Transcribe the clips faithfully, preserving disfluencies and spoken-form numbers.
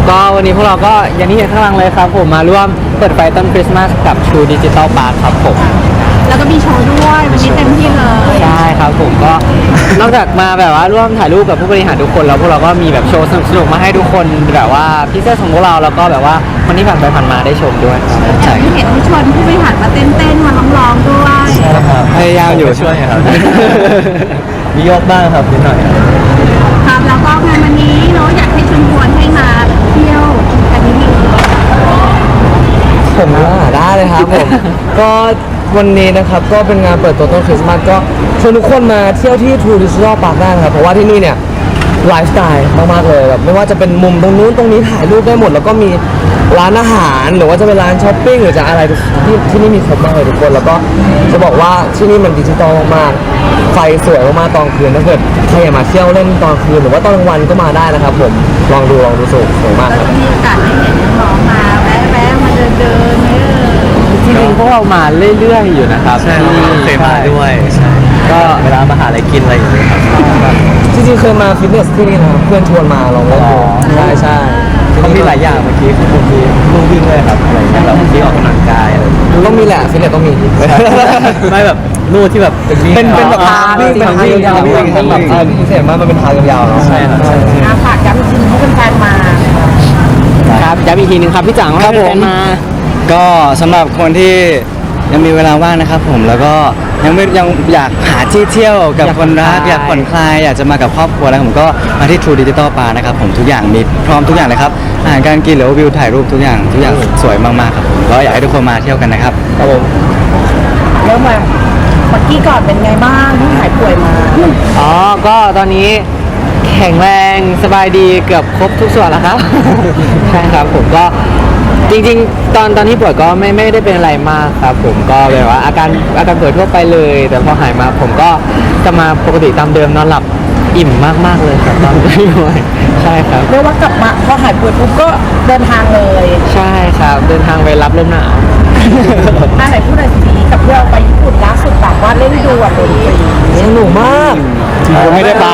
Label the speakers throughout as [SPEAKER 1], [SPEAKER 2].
[SPEAKER 1] ก็วันนี้พวกเราก็อย่างที่เห็นข้างหลังเลยครับผมมาร่วมเปิดไฟต้นคริสต์มาสกับ True Digital Park ครับผม
[SPEAKER 2] แล้วก็มีโชว์ด้วยวันนี้เต็มที่เลย
[SPEAKER 1] ใช่ครับผมก็นอกจากมาแบบว่าร่วมถ่ายรูปกับผู้บริหารทุกคนแล้วพวกเราก็มีแบบโชว์สนุกๆมาให้ทุกคนแบบว่าพิเศษของพวกเราแล้วก็แบบว่าคนที่ผ่านไปผ่านมาได้ชมด้วย
[SPEAKER 2] ใช่ที่เห็นที่ชวนผู้บริหารมาเต้นๆมาร้องๆด้วย
[SPEAKER 3] ใช่ครับ
[SPEAKER 1] พยายามอยู่
[SPEAKER 3] ช่วยครับมีโยกบ้างครับนิดหน่อย
[SPEAKER 2] ครับแล้วก็งานวันนี้เนาะอยากให้ชวนชวนให้มาเที่ยวกันนิดนึง
[SPEAKER 3] ผมว่าได้เลยครับผม ก็วันนี้นะครับก็เป็นงานเปิดตัวต้นคริสต์มาสก็ชวนทุกคนมาเที่ยวที่ True Digital Park ได้นะครับเพราะว่าที่นี่เนี่ยไลฟ์สไตล์มากๆเลยแบบไม่ว่าจะเป็นมุมตรงนู้นตรงนี้ถ่ายรูปได้หมดแล้วก็มีร้านอาหารหรือว่าจะเป็นร้านช้อปปิ้งหรือจะอะไรที่ที่นี่มีครบมากเลยทุกคนแล้วก็จะบอกว่าที่นี่มันดิจิตอลมากๆไฟสวยมากๆตอนคืนถ้าเกิดใครอยากมาเที่ยวเล่นตอนคืนหรือว่าตอนกลางวันก็มาได้นะครับผมลองดูลองดูสวยสวยมากครับ
[SPEAKER 2] มีโอกาสได้เห็นน้องมาแวะๆมาเดินเดินเนี่ย
[SPEAKER 1] จริงๆพวกเรามาเรื่อยๆอยู่นะครับ
[SPEAKER 3] ใช่เคยมาด้วยใช่ก็เวลามาหาอะไรกินอะไรอย่างเงี้ยครับจริงๆเคยมาฟิตเนสที่นี่นะครับเพื่อนชวนมาลองเล่นดูใช่ใช่เขามีหลายอย่างเมื่อกี้บางทีลู่วิ่งเลยครับอะไรเงี้ยแบบที่ออกกำลังกายอะไรต้องมีแหละฟิตเนสต้องมีไม่แบบลู่ที่แบบเป็นเป็นแบบทางวิ่งเป็นทางยาวๆวิ่งแบบพิเศษมากมันเป็นทางยาวๆเนาะใช่ครับ
[SPEAKER 2] ฝากย้ำอีกทีให้แฟนๆมา
[SPEAKER 1] ครับย้ำอีกทีนึงครับพี่จัง
[SPEAKER 3] ครับผม
[SPEAKER 1] มา
[SPEAKER 3] ก็สำหรับคนที่ยังมีเวลาว่างนะครับผมแล้วก็ยังไม่ยังอยากหาที่เที่ยวกับคนรักอยากผ่อนคลายอยากจะมากับครอบครัวแล้วผมก็มาที่ True Digital Park นะครับผมทุกอย่างมีพร้อมทุกอย่างเลยครับอาหารการกินหรือว่าวิวถ่ายรูปทุกอย่างทุกอย่างสวยมากๆครับผมก็อยากให้ทุกคนมาเที่ยวกันนะครับครับผม
[SPEAKER 2] เริ่มมาเมื่อกี้ก่อนเป็นไงบ้างที่หายป่วยมา
[SPEAKER 1] อ๋อก็ตอนนี้แข็งแรงสบายดีเกือบครบทุกส่วนแล้วครับ ใช่ครับผมก็จริงๆตอนตอนที่ป่วยก็ไม่ไม่ได้เป็นอะไรมากครับผมก็แบบว่าอาการอาการป่วยทั่วไปเลยแต่พอหายมาผมก็จะมาปกติตามเดิมนอนหลับอิ่มมากๆเลยครับตอนที่ป่วยใช่ครับ
[SPEAKER 2] เรียกว่ากลับมาพอหายป่วยปุ๊บก็เดินทางเลย
[SPEAKER 1] ใช่ครับเดินทางไปรับลมหนาว
[SPEAKER 2] อะไรพูดหน่อยสิกับเพื่อนไปญี่ปุ่นล่าสุดแบบว่าเล่นดูอ่ะดนตรี
[SPEAKER 3] สนุกมาก
[SPEAKER 1] ผมไม่ได้ไป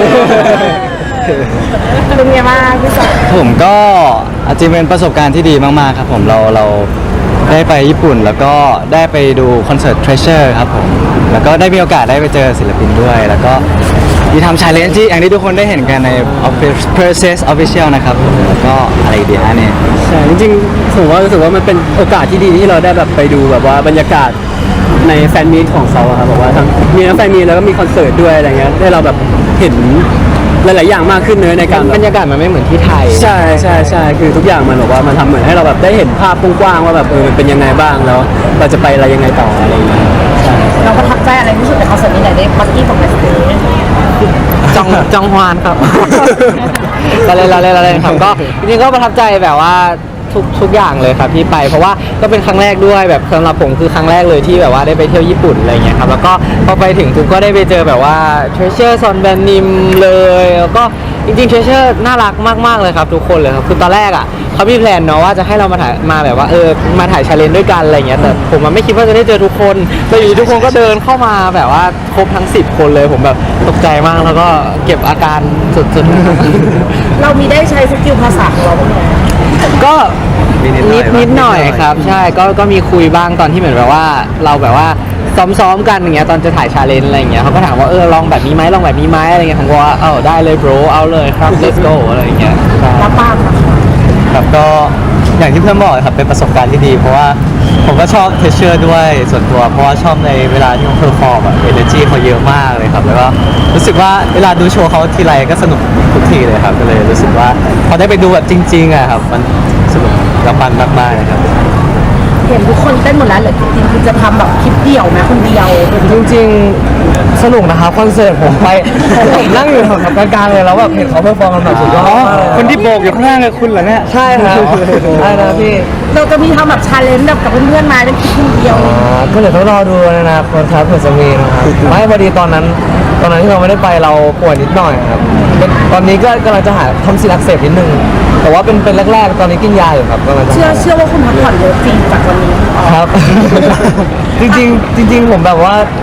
[SPEAKER 2] เป็นไงบ้างพี่สาว
[SPEAKER 3] ผมก็อาจจะเป็นประสบการณ์ที่ดีมากๆครับผมเราเราได้ไปญี่ปุ่นแล้วก็ได้ไปดูคอนเสิร์ต Treasure ครับผมแล้วก็ได้มีโอกาสได้ไปเจอศิลปินด้วยแล้วก็มีทำ challenge ที่อย่างที่ทุกคนได้เห็นกันใน Process Official นะครับแล้วก็อะไรดีฮะเนี่ย
[SPEAKER 1] ใช่จริงๆผมว่ารู้สึกว่ามันเป็นโอกาสที่ดีที่เราได้แบบไปดูแบบว่าบรรยากาศในแฟนมีตของเขาครับแบบว่าทั้งมีทั้งแฟนมีตแล้วก็มีคอนเสิร์ตด้วยอะไรเงี้ยได้เราแบบเห็นหลายๆอย่างมากขึ้นเนื้อในการบรรยากาศมันไม่เหมือนที่ไทยใช่ใช่ใช่คือทุกอย่างมันบอกว่ามันทำเหมือนให้เราแบบได้เห็นภาพกว้างๆว่าแบบเออมันเป็นยังไงบ้างแล้วเราจะไปอะไรยังไงต่ออะไรอย่างเงี้ยใช่
[SPEAKER 2] เราประทับใจอะไรที่สุดในคอนเสิร์ตนี้ไหนได้บักกี้ของแมสเตอร์
[SPEAKER 1] จองจองฮวานครับเราเล่นเราเล่นเราเล่นครับก็จริงๆก็ประทับใจแบบว่าทุกทุกอย่างเลยครับที่ไปเพราะว่าก็เป็นครั้งแรกด้วยแบบสำหรับผมคือครั้งแรกเลยที่แบบว่าได้ไปเที่ยวญี่ปุ่นอะไรเงี้ยครับแล้วก็พอไปถึงทุกก็ได้ไปเจอแบบว่า Treasure ซอนแบนนิมเลยแล้วก็จริงๆ Treasure น่ารักมากๆเลยครับทุกคนเลยครับคือตอนแรกอ่ะเขามีแพลนเนาะว่าจะให้เรามาถ่ายมาแบบว่าเออมาถ่ายชาเลนจ์ด้วยกันอะไรเงี้ยแต่ผมมันไม่คิดว่าจะได้เจอทุกคนแต่อยู่ทุกคนก็เดินเข้ามาแบบว่าครบทั้งสิบคนเลยผมแบบตกใจมากแล้วก็เก็บอาการสุด
[SPEAKER 2] ๆเรามีได้ใช้สกิลภาษาของเราบ้างไหม
[SPEAKER 1] ก็นิดนิดหน่อยครับใช่ก็ก็มีคุยบ้างตอนที่เหมือนแบบว่าเราแบบว่าซ้อมๆกันอย่างเงี้ยตอนจะถ่ายชาเลนจ์อะไรอย่างเงี้ยเขาก็ถามว่าเออลองแบบนี้ไหมลองแบบนี้ไหมอะไรเงี้ยผมก็ว่าเออได้เลย bro เอาเลยครับ let's go อะไรอย่างเงี้ย
[SPEAKER 2] แล้วป้า
[SPEAKER 3] ครับก็อย่างที่เพื่อนบอกครับเป็นประสบการณ์ที่ดีเพราะว่าผมก็ชอบเทเชอร์ด้วยส่วนตัวเพราะว่าชอบในเวลาที่เขาเพอร์ฟอร์มอะเอเนอร์จีเขาเยอะมากเลยครับแล้วก็รู้สึกว่าเวลาดูโชว์เขาทีไรก็สนุกทุกทีเลยครับก็เลยรู้สึกว่าพอได้ไปดูแบบจริงๆอะครับมันสนุกกับมันมากๆนะครับ
[SPEAKER 2] เห็นทุกคนเต้นหมดแล้วเหรอจริงๆคือจะทำแบบคลิปเดี่ยวไหมคนเดียว
[SPEAKER 3] จริงๆสนุกนะครับคอนเสิร์ตผมไปผมนั่งอยู่แถวกลางๆเลยแล้วแบบเห็นเขาเพอร์ฟอร์มกันแบบสุดยอดคนที่โบกอยู่ข้างล่างเลยคุณเหรอเนี่ยใช่ครับใช่นะพี่
[SPEAKER 2] เราจะมีทำแบบชาเลนจ์แบบกับเพื่อนๆมาเป็นคลิปคนเดียว
[SPEAKER 3] ก็เดี๋ยวต้องรอดูนะคนครับเผื่อจะมีนะครับไม่พอดีตอนนั้นตอนนั้นที่เราไม่ได้ไปเราป่วยนิดหน่อยครับตอนนี้ก็กำลังจะหาทำซีลักเสพนิดนึงแต่ว่าเป็นเป็นแรกๆตอนนี้กินยาอยู่ครับกำลังจะ
[SPEAKER 2] เชื่อเชื่อว่าคุณพักผ่อนเยอะจริงจากวันนี้
[SPEAKER 3] ครับ จริงๆจริงๆผมแบบว่า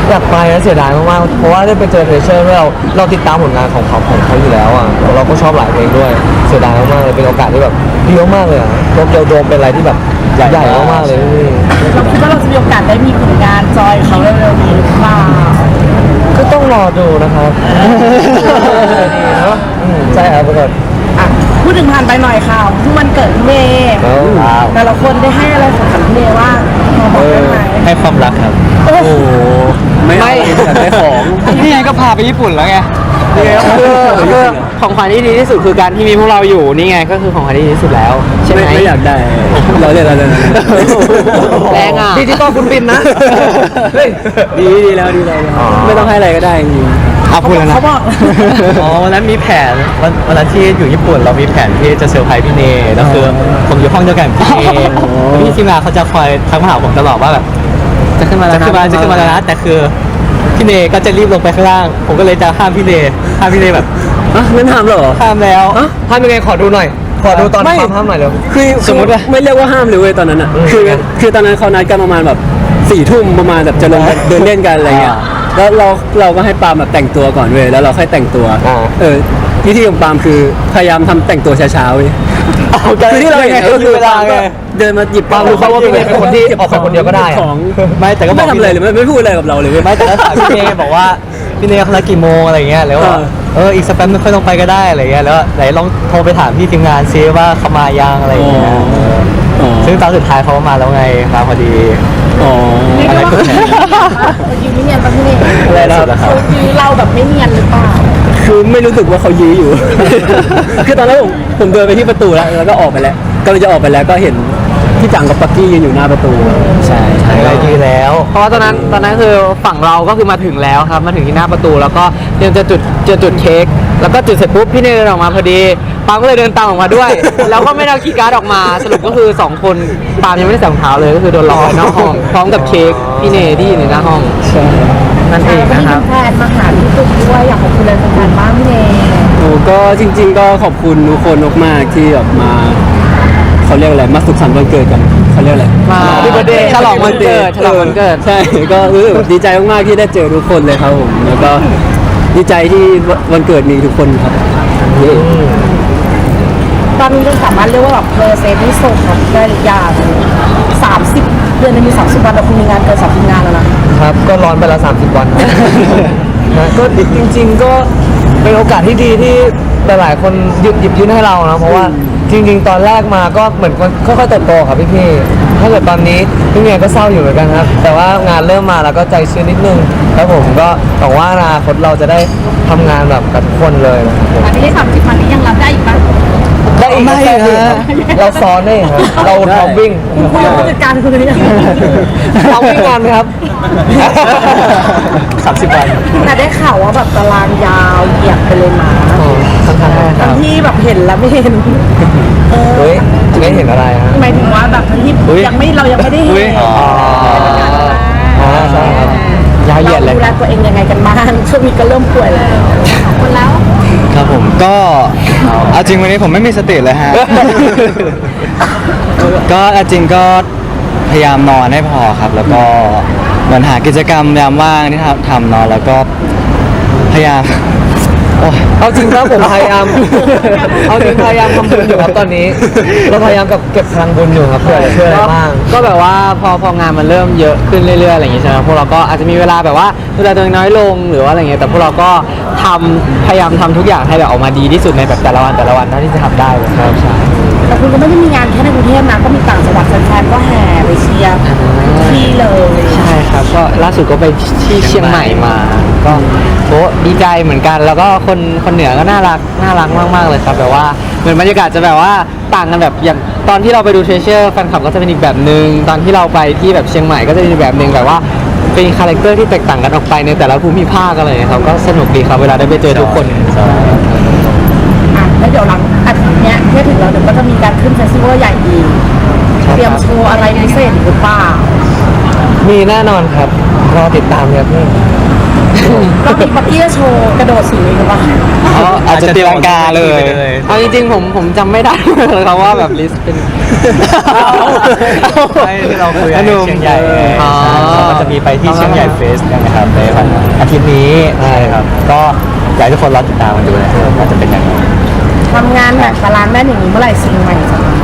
[SPEAKER 3] อยากไปนะเสียดายมากๆเพราะว่าได้ไปเจอเทรเชอร์เราเราติดตามผลงานของเขาของเขาอยู่แล้วอ่ะแล้วเราก็ชอบหลายเพลงด้วยเสียดายมากๆเลยเป็นโอกาสที่แบบดีมากๆเลยอ่ะโตเกียวโดมเป็นอะไรที่แบบใหญ่มากๆเลยพี่
[SPEAKER 2] เราคิดว่าเราจะมีโอกาสได้มีผลงานจอยเขาเร็วๆนี้หรือเปล่า
[SPEAKER 3] ก็ต้องรอดูนะครับดีเนาะอืมใช่ครับทุกคน
[SPEAKER 2] อ่ะพูดถึงผ่านไปหน่อยค่ะเพิ่งวันเกิดพี่เมย์
[SPEAKER 3] ว้าว
[SPEAKER 2] แต่ละคนได้ให้อะไรของขวัญพี่เมย์ว่างพอบอกได้ไหม
[SPEAKER 1] ให้ความรักครับ
[SPEAKER 2] โอ้โห
[SPEAKER 1] ไม่อยากได้ของนี่ไงก็พาไปญี่ปุ่นแล้วไงนี่ไงก็คือคือของขวัญที่ดีที่สุดคือการที่มีพวกเราอยู่นี่ไงก็คือของขวัญที่ดีที่สุดแล้วใช่ไหม
[SPEAKER 4] ไม่อยากได้เราเล่นเราเล่น
[SPEAKER 1] แรงอ่ะ
[SPEAKER 3] ดิจิตอลคุณบินนะเฮ้ย
[SPEAKER 4] ดีดีแล้วดีแล้ว
[SPEAKER 3] อ๋อ
[SPEAKER 4] ไม่ต้องให้อะไรก็ได้จริง
[SPEAKER 1] เอาพูดแล้วนะ
[SPEAKER 2] เขาบอก
[SPEAKER 1] อ๋อวันนั้นมีแผนวันวันนั้นที่อยู่ญี่ปุ่นเรามีแผนที่จะเซอร์ไพรส์พี่เนก็คือผมอยู่ห้องเดียวกันกับพี่เนพี่ทีมงานเขาจะคอยทักมาหาผมตลอดว่าแบบจะขึ้นมาแล้วจะขึ้นมาจะขึ้นมาแล้วนะแต่คือพี่เนก็จะรีบลงไปข้างล่าง ผมก็เลยจะห้ามพี่เนห้ามพี่เนแบบ
[SPEAKER 4] อ่ะนั่นทำเหรอ
[SPEAKER 1] ห้ามแล้ว
[SPEAKER 3] ทำยังไงขอดูหน่อย ขอดูตอน
[SPEAKER 4] ไม่
[SPEAKER 3] ความห้ามหน่อยเร็ว
[SPEAKER 4] คือ
[SPEAKER 1] สมมุติว่า
[SPEAKER 4] ไม่เรียกว่าห้ามเลยเว้ยตอนนั้นอ่ะ
[SPEAKER 3] อืม
[SPEAKER 4] คือ
[SPEAKER 3] ไง
[SPEAKER 4] คือตอนนั้นเขานัดกันประมาณแบบสี่ทุ่มประมาณแบบจะลงไปเดินเล่นกันอะไรเงี้ย
[SPEAKER 1] อ่า
[SPEAKER 4] แล้วเราเราก็ให้ปาล์มแบบแต่งตัวก่อนเว้ยแล้วเราค่อยแต่งตัว
[SPEAKER 3] อ่า
[SPEAKER 4] เออวิธีของปาล์มคือพยายามทำแต่งตัวช้าๆเว้ย คือที่เราเห็นก็คือ
[SPEAKER 1] เวลาไง
[SPEAKER 4] เดินมาหยิบ
[SPEAKER 3] ปาล์มรู้เขาว่าพี่เนยเป็นคนที่ออกไปคนเดียวก็ได้อะ
[SPEAKER 4] ของ
[SPEAKER 1] ไม่แต่ก็บอ
[SPEAKER 4] ไม่
[SPEAKER 1] ก
[SPEAKER 4] ทำอะไรเลยไม่ไม่พูดอะไรกับเราเลยเว้ย
[SPEAKER 1] ไม่แต่ก็ถามพี่เนบอกว่าพี่เนเขานัดกี่โมงอะไรเงี้ยแล้วว่า
[SPEAKER 4] เออ
[SPEAKER 1] เอออีกสักแป๊บนึงค่อยลงไปก็ได้อะไรเงี้ยแล้วไหนลองโทรไปถามพี่ทีมงานซิว่าเขามายังอะไรเงี้ย
[SPEAKER 4] อ๋อ
[SPEAKER 1] ซึ่งตอนสุดท้ายเขาก็มาแล้วไงมาพอดี
[SPEAKER 4] อ๋อ
[SPEAKER 2] เรียกได้ว่าเขายืนไม่เนียนปะพี่เมย์
[SPEAKER 1] อะไรนะครับ
[SPEAKER 2] เขายืนเราแบบไม่เนียนหรือเปล่า
[SPEAKER 4] คือไม่รู้สึกว่าเขายื้ออยู่ คือตอนแรกผมผมเดินไปที่ประตูแล้วแล้วก็ออกไปแล้วกำลังจะออกไปแล้วก็เห็นพี่จังกับปักกี้ยืนอยู่หน้าประตู ใช่ใช่
[SPEAKER 1] อะไรดีแล้ว เพราะว่าตอนนั้นตอนนั้นคือฝั่งเราก็คือมาถึงแล้วครับมาถึงที่หน้าประตูแล้วก็เตรียมจะจุดจะจุดเค้กแล้วก็จุดเสร็จปุ๊บพี่เนยเดินออกมาพอดีปาล์มก็เลยเดินตามออกมาด้วย แล้วก็ไม่ได้เอาคีย์การ์ดออกมาสรุปก็คือสองคนปาล์มยังไม่ได้ใส่รองเท้าเลยก็คือโดนล็อกไว้นอกห้องพร้อมกับเค้กพี่เนยที่อยู่ในหน้าห้องนั่นเอง
[SPEAKER 2] ก็
[SPEAKER 1] นะ
[SPEAKER 2] มี
[SPEAKER 1] ครับ
[SPEAKER 2] แฟนมาหาพี่ตุ๊กด้วยอยากขอบคุณเลยแฟนๆบ้างพี่เมย์
[SPEAKER 4] โอ้ก็จริง ๆ ก็ขอบคุณทุกคนมากๆที่แบบมาเขาเรียกอะไรมาสุขสันต์วันเกิดกันเขาเรียกอะไร
[SPEAKER 1] มา
[SPEAKER 3] Happy birthday
[SPEAKER 1] ฉลองวันเกิดฉลองวันเกิด
[SPEAKER 4] ใช่ ก็รู้สึกดีใจมากๆที่ได้เจอทุกคนเลยครับผมแล้วก็ดีใจที่วันเกิดมีทุกคนครับ
[SPEAKER 2] ตอนนี้เราสามารถเรียกว่าแบบเพอร์เซนที่ส่งของได้หรือยังสามสิบเดือนหนึงมีสามสิบวันแต่คุณมีงานเกินสามสิบงานแล้วนะครับ
[SPEAKER 3] ก็ร้อนไปละสามสิบวันครับ นะก็จริง ๆ ก็เป็นโอกาสที่ดีที่หลายๆคนหยิบหยิบยื่นให้เรานะเพราะว่าจริง ๆ ตอนแรกมาก็เหมือนค่อยๆเติบโตครับพี่ๆถ้าเกิดตอนนี้พี่เมียก็เศร้าอยู่เหมือนกันครับ แต่ว่างานเริ่มมาแล้วก็ใจชื้นนิดนึงแล้วผมก็หวังว่าอนาคตเราจะได้ทำงานแบบกับทุกคนเลยนะครับผม
[SPEAKER 2] อันนี้ได้สามสิบวันนี้ยังรับได้อีกปะ
[SPEAKER 3] ได้อีก
[SPEAKER 1] ไม่
[SPEAKER 3] แค่
[SPEAKER 1] นะ
[SPEAKER 3] นี้ครับเราซ้อนได้ครับเราเราวิ่ง
[SPEAKER 2] คุณคุยกับผู้จัดการคุณเลยยัง
[SPEAKER 3] เราวิ่งงานไหมครับ
[SPEAKER 1] สามสิบวัน
[SPEAKER 2] แต่ได้ข่าวว่าแบบตารางยาวเหยียบไปเลยมา
[SPEAKER 3] ค่อนข้างแน่ค
[SPEAKER 2] ทั้
[SPEAKER 3] รับ
[SPEAKER 2] งที่แบบเห็นแล้วไม่เห็นเออ
[SPEAKER 3] เฮ้ยไม่เห็นอะไรฮะ
[SPEAKER 2] หมายถึงว่าแบบทั้งที่
[SPEAKER 1] อุ๊ย
[SPEAKER 2] ยังไม่เรายังไม่ได้เห็น
[SPEAKER 1] อ๋อ
[SPEAKER 3] อ๋อใช่ครับ
[SPEAKER 1] ยาวเหยียดเลย
[SPEAKER 2] ราดูแลตัวเองยังไงกันบ้างช่วงนี้ก็เริ่มป่วยแล้วคนแล้ว
[SPEAKER 5] ครับผมก็เอาจริงวันนี้ผมไม่มีสติเลยฮะ ก็เอาจริงก็พยายามนอนให้พอครับ แล้วก็เหมือนหากิจกรรมยามว่างที่ทำทำเนอนแล้วก็พยายามโอ้ย
[SPEAKER 3] เอาจริงครับผมพยายาม เอาจริงพยายามทำบุญอยู่ครับตอนนี้ เราพยายามกับเก็บพลังบุญอยู่ครับเพื่อจะช่วยอะไรบ้าง
[SPEAKER 1] ก็แบบว่าพอพองานมันเริ่มเยอะขึ้นเรื่อยๆอะไรอย่างงี้ใช่ไหมพวกเราก็อาจจะมีเวลาแบบว่าดูแลตัวเองน้อยลงหรือว่าอะไรเงี้ยแต่พวกเราก็ทำพยายามทำทุกอย่างให้แบบออกมาดีที่สุดในแบบแต่ละวันแต่ละวันเท่าที่จะทำได้เลยครับใช่
[SPEAKER 2] แต่คุณก็ไม่ได้มีงานแค่ในกรุงเทพนะก็มีต่างจังหวัดแฟนๆก็แห่ไปเชียร์ที่เลย
[SPEAKER 1] ใช่ครับก็ล่าสุดก็ไปที่เชียงใหม่มา ก็โอ้ดีใจเหมือนกัน แล้วก็คนคนเหนือก็น่ารักน่ารักมากๆเลยครับแบบว่าเหมือนบรรยากาศจะแบบว่าต่างกันแบบอย่างตอนที่เราไปดูเทรเชอร์แฟนคลับก็จะเป็นอีกแบบหนึ่งตอนที่เราไปที่แบบเชียงใหม่ก็จะเป็นอีกแบบหนึ่งแบบว่าเป็นคาแรคเตอร์ที่แตกต่างกันออกไปในแต่ละภูมิภาคอะไรอย่างเงี้ยครับก็สนุกดีครับเวลาได้ไปเจอทุกคน
[SPEAKER 2] อ่ะแล้วเดี๋ยวหลังอาทิตย์เนี้ยเพื่อถึงเราเดี๋ยวก็จะมีการขึ้นเฟสติวัลใหญ่อีกเตรียมโชว์อะไรพิเศษหรือเปล่า
[SPEAKER 3] มีแน่นอนครับรอติดตามครับพี่
[SPEAKER 2] รอบนี้ปักกี้จะโชว์กระโดดสูงอีกหรือเปล่า
[SPEAKER 5] อาจจะตีลังกาเลย
[SPEAKER 1] เอาจริงๆผมผมจำไม่ได้เลยครับว่าแบบลิสต์เป็น
[SPEAKER 5] ใช่ที่เราคุยกันที่เชียงใหญ่ไง
[SPEAKER 1] อ๋อ
[SPEAKER 5] เขาก็จะมีไปที่เชียงใหญ่เฟสกันนะครับในวันอาทิตย์นี้ใช่ครับ ก็อยากให้ทุกคนรอติดตามกันดูนะครับว่าจะเป็นยังไง
[SPEAKER 2] ทำงานแบบบาลานซ์แม่นอย่างนี้เมื่อไหร่ซิงใหม่จะมา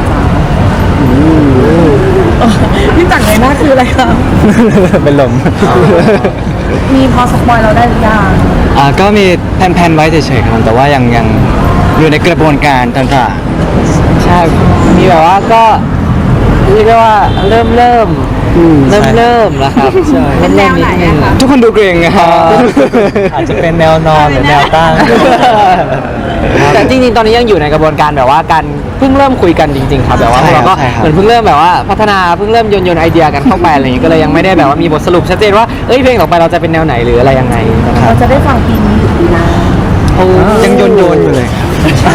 [SPEAKER 2] จ๊ะพี่จังเลยหน้าคืออะไรคะ
[SPEAKER 5] เป็นลม
[SPEAKER 2] มีพอสปอยเราได้หรือยัง
[SPEAKER 5] อ่าก็มีแผนๆไว้เฉยๆครับแต่ว่ายังยังอยู่ในกระบวนการต่าง
[SPEAKER 1] ใช่มีแบบว่าก็เรียกได้ว่าเริ่มเริ่มเริ่มเริ่มแล้วครับใช่
[SPEAKER 2] เป็นแนวไหนอะคะ
[SPEAKER 5] ๆทุกคนดูเกรงนะครับอาจจะเป็นแนวนอนหรือแนวตั้ง
[SPEAKER 1] แต่จริงๆ ตอนนี้ยังอยู่ในกระบวนการแบบว่าการเพิ่งเริ่มคุยกันจริงๆ ครับแบบว่าพวกเราก็
[SPEAKER 5] ใช่ครับ
[SPEAKER 1] เหมือนเพิ่งเริ่มแบบว่าพัฒนาเพิ่งเริ่มโยนโยนไอเดียกันเข้าไปอะไรอย่างงี้ก็เลยยังไม่ได้แบบว่ามีบทสรุปชัดเจนว่าเอ้ยเพลงต่อไปเราจะเป็นแนวไหนหรืออะไรยังไงนะครับ
[SPEAKER 2] เราจะได้ฟังปีนี้หรือปีหน้า
[SPEAKER 5] ยังโยนโยนๆอยู่เลยครับ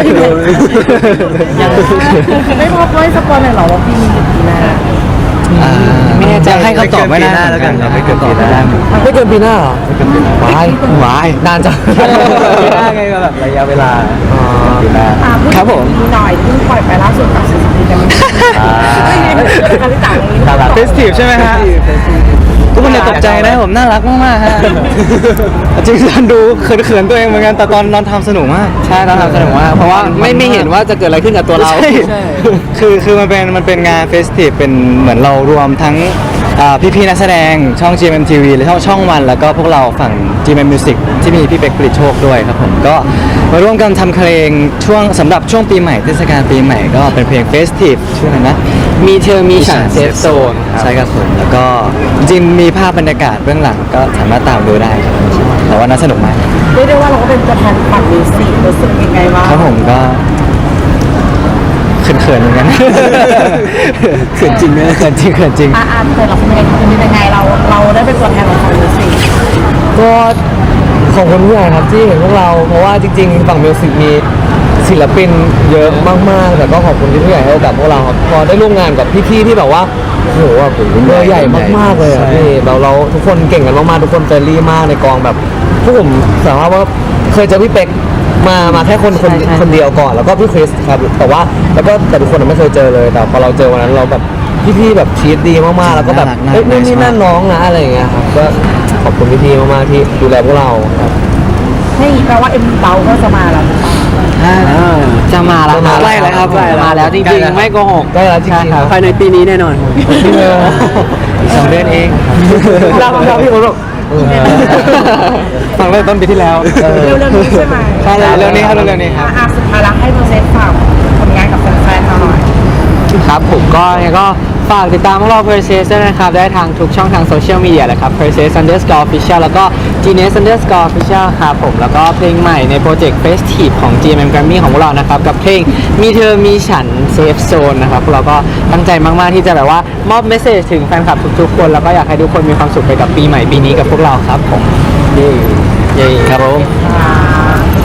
[SPEAKER 2] ยังไม่พอไม่สปอยหน่อยเหรอว่าปีนี้หรือปีหน้า
[SPEAKER 5] อ่าไม่แน่ใจให้คำตอบไม่ได้แล้วกันไม่เกินปีหน้า
[SPEAKER 3] ไม่เกินปีหน้าเหรอวายว
[SPEAKER 5] าย
[SPEAKER 3] นานจัง
[SPEAKER 5] ปีหน้าไงก็แบบระยะเวลาปีหน้า
[SPEAKER 2] อ่าพูด
[SPEAKER 1] ครับผม
[SPEAKER 2] ถึงหน่อยเพิ่งปล่อยไปล่าสุดกับศิลปินกันไม่ได้
[SPEAKER 5] อ่า
[SPEAKER 2] ไม่ได้เป็นการที่ต่างนี้
[SPEAKER 5] น่ารัก
[SPEAKER 3] Festive ใช่ไหมฮะ
[SPEAKER 5] ทุกคนอย่าตกใจนะผมน่ารักมากๆฮะจริงๆดูเขินๆตัวเองเหมือนกันแต่ตอนนอนทำสนุกมาก
[SPEAKER 1] ใช่เราทำสนุกมากเพราะว่าไม่ไม่เห็นว่าจะเกิดอะไรขึ้นกับตัวเรา
[SPEAKER 5] ใช่คือคือมันเป็นมันเป็นงานเฟสติฟเป็นเหมือนเรารวมทั้งอ่าพี่ๆนักแสดงช่อง จี เอ็ม ที วี และช่องช่องวัน แล้วก็พวกเราฝั่ง จี เอ็ม Music ที่มีพี่เป็กปริตโชคด้วยครับผมก็มาร่วมกันทำเพลงช่วงสำหรับช่วงปีใหม่เทศกาลปีใหม่ก็เป็นเพลงเฟสติฟชื่ออะไรนะ
[SPEAKER 1] มีเธอมีฉันเซฟโซนครับ
[SPEAKER 5] ใช่ครับผมแล้วก็จริงๆมีภาพบรรยากาศเบื้องหลังก็สามารถตามดูได้ครับแต่ว่าน่าสนุกมาก
[SPEAKER 2] เรียกได้ว่าเราก็เป็นตัวแทนฝั่งมิวสิกรู้สึกยังไงบ้าง
[SPEAKER 5] ครับผมก็เขินๆเหมือนกัน เขินจริงนะเขินจริงเขินจริง
[SPEAKER 2] อ่าอ่าแต่เราเป็นยังไงเป็นยังไงเราเราได้เป็นตัวแทนของฝั่งมิวสิก
[SPEAKER 3] ก็ขอบคุณผู้ใหญ่ครับที่เห็นพวกเรา เพราะว่าจริงๆฝั่งมิวสิกมีศิลปินเยอะมากๆ แต่ก็ขอบคุณที่ผู้ใหญ่ให้โอกาสพวกเราครับพอได้ร่วมงานกับพี่ๆที่แบบว่าโอ้โหแบบเบอร์ใหญ่มากๆเลยอะพี่เราเราทุกคนเก่งกันมากๆทุกคนเฟรนลี่มากในกองแบบพวกผมสามารถว่าเคยเจอพี่เป็กมามาแค่คนคน
[SPEAKER 1] ใช่ใช่
[SPEAKER 3] คนเดียวก่อนแล้วก็พี่คริสครับแต่ว่าแล้วก็แต่ทุกคนไม่เคยเจอเลย แต่พอเราเจอวันนั้นเราแบบพี่ๆแบบชีตดีมากๆแล้วก็แบบ
[SPEAKER 5] น่ารัก
[SPEAKER 3] เฮ้ยนี่
[SPEAKER 5] น่ารัก
[SPEAKER 3] นี่นั่นน้องนะอะไรอย่างเงี้ยครับก็ขอบคุณพี่ๆมากๆที่ดูแลพวกเราครับ
[SPEAKER 2] นี่แปลว่าเอ็มเบาก็จะมาแล้ว
[SPEAKER 1] จะมาแล้วครับ
[SPEAKER 3] ใกล้แล้วครับ
[SPEAKER 1] จะมาแล้วจ
[SPEAKER 5] ใกล้
[SPEAKER 1] ริง
[SPEAKER 5] แล้ว
[SPEAKER 1] ๆไม่โกหก
[SPEAKER 3] ใกล้แล้วจริงๆ
[SPEAKER 1] ใช่ครับ
[SPEAKER 4] ภายในปีนี้แน่นอน
[SPEAKER 3] พี่เนย
[SPEAKER 5] อีกสองเดือนเอง
[SPEAKER 3] เราเราพี่ผมบอก
[SPEAKER 5] ฟังเริ่มต้นปีที่แล้ว
[SPEAKER 2] เร็วๆนี้ใช่ไหม
[SPEAKER 5] ใช่แล้วเร็วๆนี้ครับเร็วๆนี้ครับ
[SPEAKER 2] อ่ะสุดท้ายแล้วให้โปรเซสฝากผลงานกับแฟนๆเราหน่อย
[SPEAKER 1] ครับผมก็ยังไงก็ฝากติดตามพวกเรา Perses ด้วยนะครับ ได้ทางทุกช่องทางโซเชียลมีเดียเลยครับ Perses underscore official แล้วก็ Genius underscore official ครับผมแล้วก็เพลงใหม่ในโปรเจกต์ Festive ของ จี เอ็ม Grammy ของพวกเรานะครับ กับเพลงมีเธอมีฉัน Safe Zone นะครับพวกเราก็ตั้งใจมาก ๆ ที่จะแบบว่ามอบเมสเซจถึงแฟนคลับทุก ๆ คน แล้วก็อยากให้ทุกคนมีความสุขไปกับปีใหม่ปีนี้กับพวกเราครับผมเย้เย้ครับผม
[SPEAKER 2] อ่า